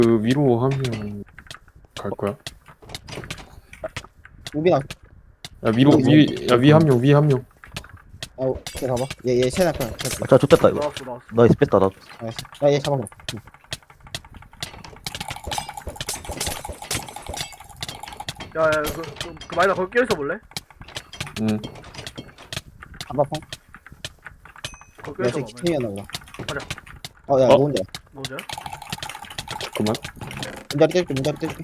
그 위로 하면 갈 거야? 우빈아, 야 위로 위 한 명, 위 한 명. 걔 봐봐. 얘 체나 그냥. 아, 자, 좋됐다 이거. 나왔어. 나이스 뺐다 나. 야얘 잡아봐. 응. 야, 그 마이나 거기 껴있어 볼래? 응. 잡아 펑. 거기 야 껴있어 쟤 봐. 기체이었나 보다. 가자. 야 어? 뭔데? 뭐지? 잠깐만. 문자리 떼줄게 문자리 떼줄게.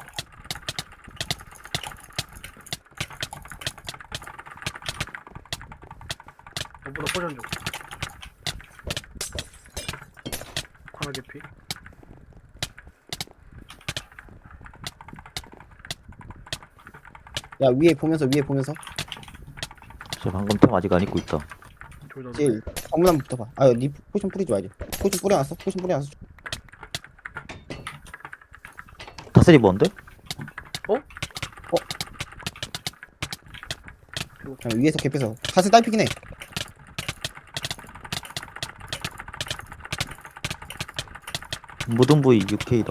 너보다 포션 줘. 관아 개피. 야 위에 보면서. 저 방금 템 아직 안 입고 있다. 졸다. 제일 정문한부터 봐. 아니 포션 뿌리지 말지. 포션 뿌려놨어. 다슬이 뭔데? 그냥 위에서 갭해서 사슬 딸피긴 해. 모든 부위 6K다.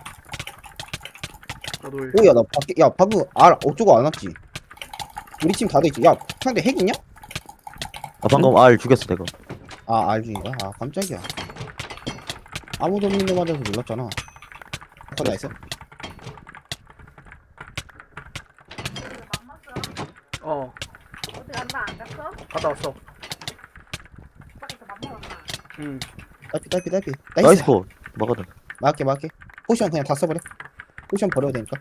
나도 일. 오야 나 밖에 야 방금 어쩌고 안 왔지. 우리 팀 다 돼있지. 야 상대 핵 있냐? 아 방금 R 죽였어 내가. 아 알중인가? 아 깜짝이야. 아무도 없는 데 맞아서 놀랐잖아. 나이스. 어, 어디 갔나 안 갔어? 갔다 왔어. 밖에서 밥 먹었나? 응. 딸피. 나이스 코. 막아줘. 막게. 포션 그냥 다 써버려. 포션 버려야 되니까.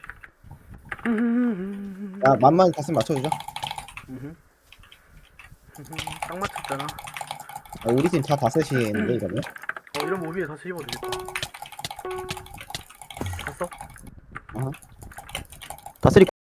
야 만만 다스 맞춰주자. 딱 맞췄잖아. 우리 팀 다 다섯이는데 이러면. 이런 무비에 다시 입어도 되겠다. 갔어? 다슬이